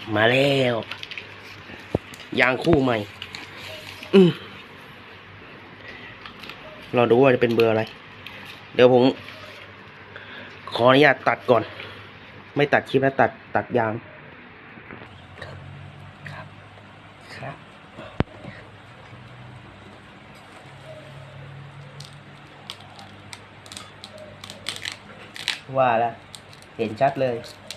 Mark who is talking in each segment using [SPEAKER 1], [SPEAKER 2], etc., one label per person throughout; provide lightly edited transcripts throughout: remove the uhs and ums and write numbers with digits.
[SPEAKER 1] มาแล้วยางคู่ใหม่เราดูว่าจะเป็นเบอร์อะไร เดี๋ยวผมขออนุญาตตัดก่อน ไม่ตัดคลิปแล้วตัดยางครับว่าแล้วเห็นชัดเลย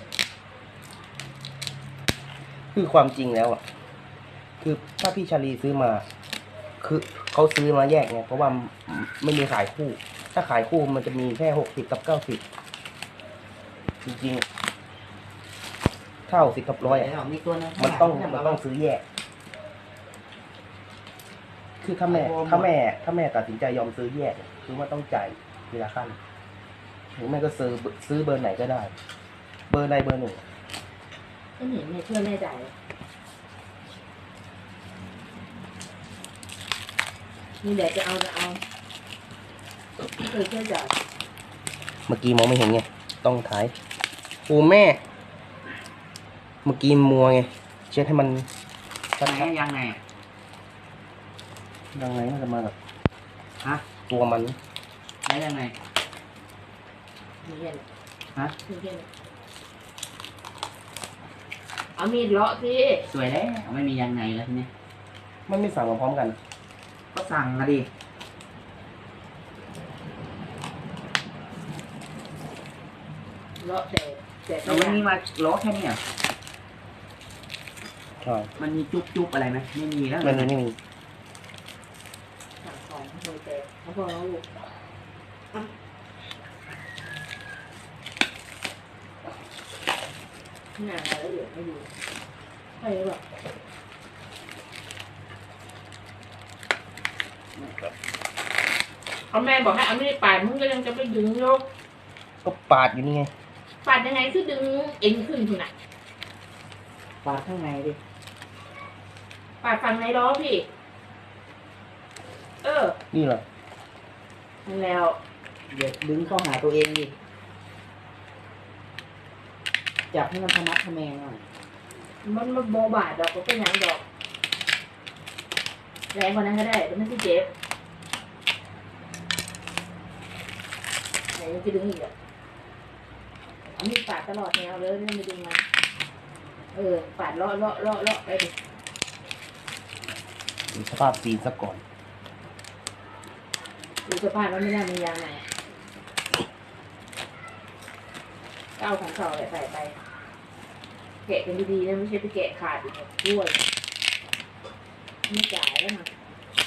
[SPEAKER 1] คือความจริงแล้วอ่ะคือถ้าพี่ชาลีซื้อมาคือเขาซื้อมาแยกไงเพราะว่าไม่มีขายคู่ถ้าขายคู่มันจะมีแค่60 กับ 90จริงๆถ้า60 กับ 100มันต้องซื้อแยกคือถ้าแม่ตัดสินใจยอมซื้อแยกคือว่าต้องจ่ายทีละขั้นหรือแม่ก็ซื้อเบอร์ไหนก็ได้ เบอร์ใดเบอร์หนึ่ง
[SPEAKER 2] ก็เห็นในเพื่อนแม่จ่ายนี่แหละจะเอาเคยเพื่อนจ่าย
[SPEAKER 1] เมื่อกี้มองไม่เห็นไงต้องถ่ายโอ้แม่เมื่อกี้มัวไงเช็ดให้มัน
[SPEAKER 3] ชัดยังไง
[SPEAKER 1] มันจะมาแบบ
[SPEAKER 3] ฮะ
[SPEAKER 1] ตัวมัน
[SPEAKER 3] แล้วยังไง
[SPEAKER 2] มีเห็น
[SPEAKER 3] ฮะ
[SPEAKER 2] มีเห็นเอามีดเลาะสิ
[SPEAKER 3] สวยแล้วไม่มียังไงแล้วทีนี้
[SPEAKER 1] มันไม่สั่งมาพร้อมกัน
[SPEAKER 3] ก็สั่งมาดิ
[SPEAKER 2] เลาะแต่
[SPEAKER 3] เราไม่มีมาล้อแค่นี้อ่ะ
[SPEAKER 1] ใช่
[SPEAKER 3] มันมีจุ๊บอะไรไหมไม่มีแล้ว
[SPEAKER 1] ไม่มี
[SPEAKER 2] สั่งของเขาเลยแต่เขาบอกแล้วลูกหน้าแล้วเดี๋ยวไม่ดูใช่หรอเอาแม่บอกให้เอาไม่ได้ปาดมึงก็ยังจะไปดึงยก
[SPEAKER 1] ก็ปาดอยู่นี่ไง
[SPEAKER 2] ปาดยังไงคือดึงเอ็นขึ้นคุณน่ะ
[SPEAKER 3] ปาดข้างในดิ
[SPEAKER 2] ปาดฝั่งในล้อพี่
[SPEAKER 1] นี่เหรอ
[SPEAKER 2] นั่นแล้ว
[SPEAKER 3] เดี๋ยวดึงเข้าหาตัวเองดิจับให้มันทะมัดทะแมงหน่อย
[SPEAKER 2] มันโบบาดดอกก็เป็นอย่างดอกแรงกว่านั้นก็ได้แต่ไม่ใช่เจ็บไหนยังจะดึงอีกอ่ะเอามีดปาดตลอดแนวเลยไม่ดึงมาปาดเลาะไปดิ
[SPEAKER 1] ดูสภาพซีนซะก่อน
[SPEAKER 2] ดูสภาพมันไม่น่ามียางไหนก็เอาของเก่าใส่ไปแกะกันดีๆนะไม่ใช่ไปแกะขาดอีกด้วยไม่จ่ายแล้วนะ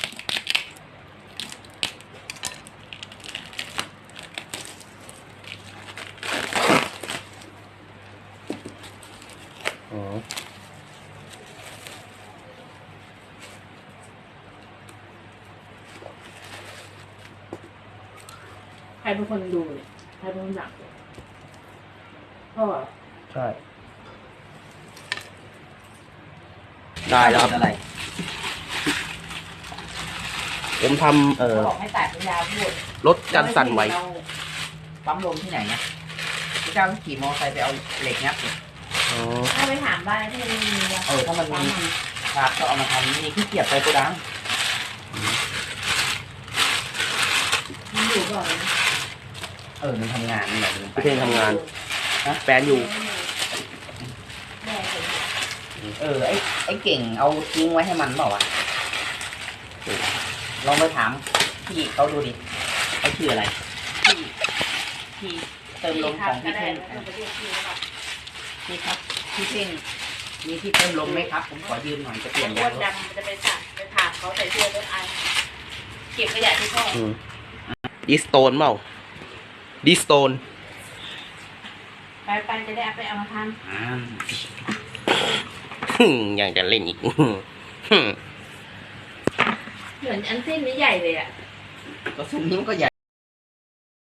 [SPEAKER 2] ใครเป็นคนดูเนี่ยใครเป็นคนหนักพ่อ
[SPEAKER 1] ใช่ได้แล้วครับอะไรผมทำ
[SPEAKER 2] บอกให้ตัดเป็นยาพูด
[SPEAKER 1] ลดการสั่นไหว
[SPEAKER 3] ปั๊มลมที่ไหนเนี่ยพี่เจ้าขี่มอไซค์ไปเอาเหล็กงับ
[SPEAKER 2] ถ้าไปถามบ้านที่มันมี
[SPEAKER 3] ถ้ามันมีครับก็เอามาทำนี่ขี้เกียจไปโกดัง
[SPEAKER 2] มันอยู่ก่อน
[SPEAKER 3] มันทำงานนี่แหละ
[SPEAKER 1] พี่เพ่งทำงานแฟนอยู่
[SPEAKER 3] ไอ้เก่งเอาทิ้งไว้ให้มันเปล่าวะลองไปถามพี่เขาดูดิไอ้ชื่ออะไรพี่เติมลมของพี่เพ่งพี่ครับพี่เพ่งมีที่เติมลมไหมครับผมขอยืมหน่อยจะเปลี่ยน
[SPEAKER 2] ยางดำจะไปถามเขาใส่เสื้อต้นไอเก็บขยะที่พ่อ
[SPEAKER 1] ดิสโตนเปล่าดิสโตน
[SPEAKER 2] ไปจะได้ไปเอามาทำ
[SPEAKER 1] ยังจะเล่นอีก
[SPEAKER 2] เหมือนอันเส้นนี้ใหญ่เลยอ่ะ
[SPEAKER 3] ก็ซุ้มนี้มันก็ใหญ่